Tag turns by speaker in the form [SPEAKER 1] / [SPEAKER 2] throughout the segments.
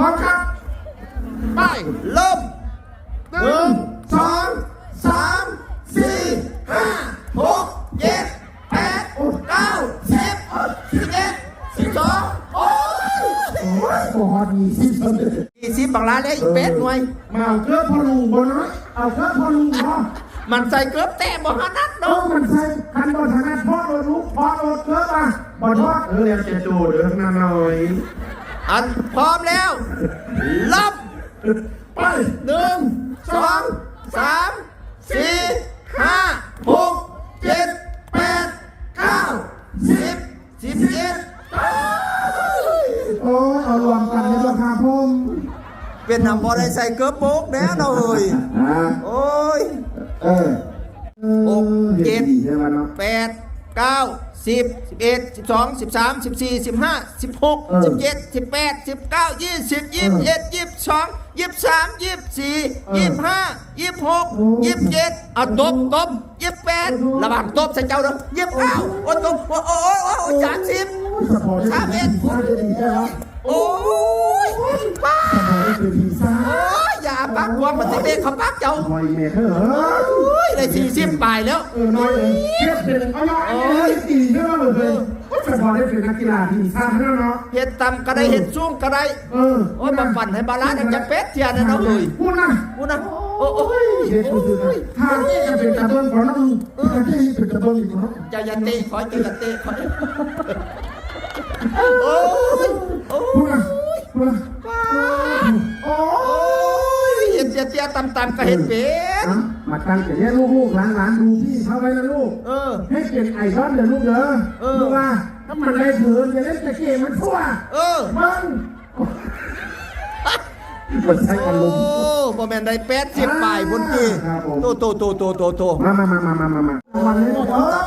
[SPEAKER 1] อมครับไป
[SPEAKER 2] เริ่ม
[SPEAKER 1] 1 2 3 4 5 6 7 8 9 10 11 12โอ้ยโอ้โห20
[SPEAKER 2] บางร้านเลยอีกเป็ดหน่วย
[SPEAKER 1] มาเอาเครื่องพอลุงบนน้อยเอาเครื่องพอลุงพอ
[SPEAKER 2] มันใส่เกือบแต่บ่หันัด
[SPEAKER 1] เอ
[SPEAKER 2] เนาะ
[SPEAKER 1] มันใส่คันบอลทางนั้นพ่อโดนลุกพ่อโดนเครื่องมาบอลพ่อเรียกจะจูดเรื่องนั้นหน่อย
[SPEAKER 2] อันพร้อมแล้วเริ่ม
[SPEAKER 1] ไป
[SPEAKER 2] 1 2 3 4 5 6 7 8 9 10 11
[SPEAKER 1] โอ้ยเอารวมกันในราคาพุ่ม
[SPEAKER 2] เป็นนำบ่ได้ใส่เกือบโป๊กแล้วเนาะเอ้ยโอ้ย6 7 8 9 10 11 12 13 14 15 16 17 18 19 20 21 22 23 24 25 26 27เอาตบ28ระวังตบใส่เจ้าเด้อ29โอ้ตบโอ้30 31โอ้ยป้าโอ้ยอย่าปักความมันสิเด็กเขาปักเจ้า
[SPEAKER 1] หน่อยเมฆเหรอ
[SPEAKER 2] โอ้ยได้40ปลายแล้ว
[SPEAKER 1] หน่อยเทียบเป็นเอาหน่อยตีเท่าเลยก็จะพอได้เป็นนักกีฬาทีมชาติแล้วเนาะ
[SPEAKER 2] เห็ดต่ำก็ได้เห็ดสูงก็ได้โอ้ยมาปั่นให้บาลานซ์จะเป็ดเทียนนะเนาะเอ้ย
[SPEAKER 1] พูดนะ
[SPEAKER 2] โอ้ย
[SPEAKER 1] เด็กคนอื่นทางที่จะเป็นกระเบื้องของเราทางที่เป็นกระเบื้องอีกเนาะ
[SPEAKER 2] จะยันเตะขอจะยันเตะขอโอ้ย
[SPEAKER 1] พูดนะโอ้
[SPEAKER 2] ยเห็ดเทียต่ำๆก็เห็ดเป็ด
[SPEAKER 1] มาตั้งแต่เนี้ยลูกๆหลานๆดูพี่เขาไว้นะลูกให้เป็นไอดอลเลยลูกเด้อลูกว่าถ้ามันได้ถือจะเล่นตะเกียบมันทั่วมันมันใช้อารมณ์
[SPEAKER 2] โอ้บ่แม่นได้80ปลายบนกี้โต
[SPEAKER 1] มาวันนี้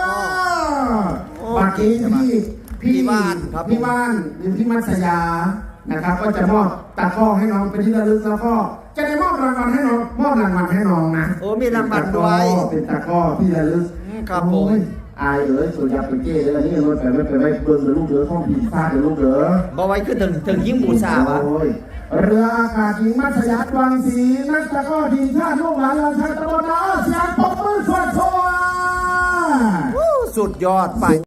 [SPEAKER 1] ปากีพี่บ้านอยู่ที่มัสยานะครับก็จะมอบตะก้อให้น้องเป็นที่ระลึกแล้วก็จะได้มอบรางวัลให้น้องนะ
[SPEAKER 2] โอ้มีรางวัลด้วย
[SPEAKER 1] เป็นตะก้อที่ระลึก
[SPEAKER 2] ครับผม
[SPEAKER 1] อายส่วนยาไปเก้เลยนี่รถไปไม่เบิ่งเลยลูกเด้อท่องผีซ่าเลยลูกเด้อ
[SPEAKER 2] บ่ไว้ขึ้นถึงยิ่งบูชาวะ
[SPEAKER 1] เรืออากาศหญิงมัธยัสถ์วังศรีนักตะก้อทีมชาติลูกหลานเราชาตะบนน้าเสียงปรบมือสวัสดิ์สุด
[SPEAKER 2] ยอดไป